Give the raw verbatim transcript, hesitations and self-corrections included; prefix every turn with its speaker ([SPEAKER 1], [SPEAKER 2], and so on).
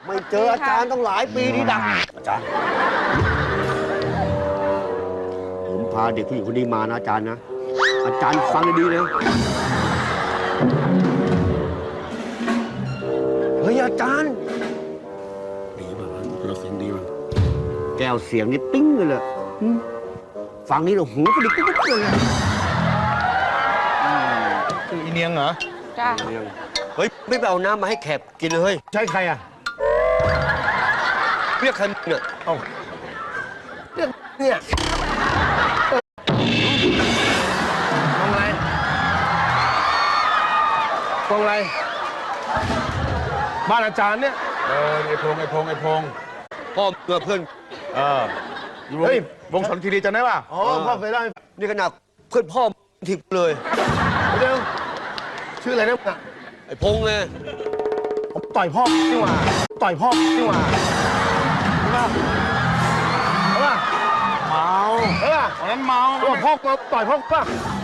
[SPEAKER 1] ไม่เจออาจารย์ต้องหลายปีนี่ดักอาจารย์ผมพาเด็กผู้หญิงคนนี้มานะอาจารย์นะอาจารย์ฟังดีๆนะเฮ้ยอาจารย์ดีป่ะเราเสียงดีป่ะแก้วเสียงนี่ปิ้งเลยฟังนี่เราหูกระดิกกระดิกเลย
[SPEAKER 2] คืออีเนียงเหรอ
[SPEAKER 3] จ้า
[SPEAKER 1] เฮ้ยไม่ไปเอาน้ำมาให้แขกกินเลยเฮ้ย
[SPEAKER 2] ใช่ใครอ่ะ
[SPEAKER 1] เรียกใครเนี่ย
[SPEAKER 2] เอ้าเรียกเนี่ยมองอะไรมองอะไรบ้านอาจารย์เนี่ยเออไอพงไอพงไอพง
[SPEAKER 1] พ่อเพื่อนเพื่อน
[SPEAKER 2] เออเฮ้ยวงสนคีรีจำได้ป่ะอ๋อพ่อเคยได้
[SPEAKER 1] นี่ขนาดเพื่อนพ่อทิพย์เลย
[SPEAKER 2] เดี๋ยวชื่ออะไรนะ
[SPEAKER 1] ไอ้พงไง
[SPEAKER 2] ผมต่อยพ่อนี่หว่าต่อยพ่อนี่หว่าใช่ป่ะใช่ป่ะเมาเออวันนั้นเมาพ่อพ่อต่อยพ่อป่ะ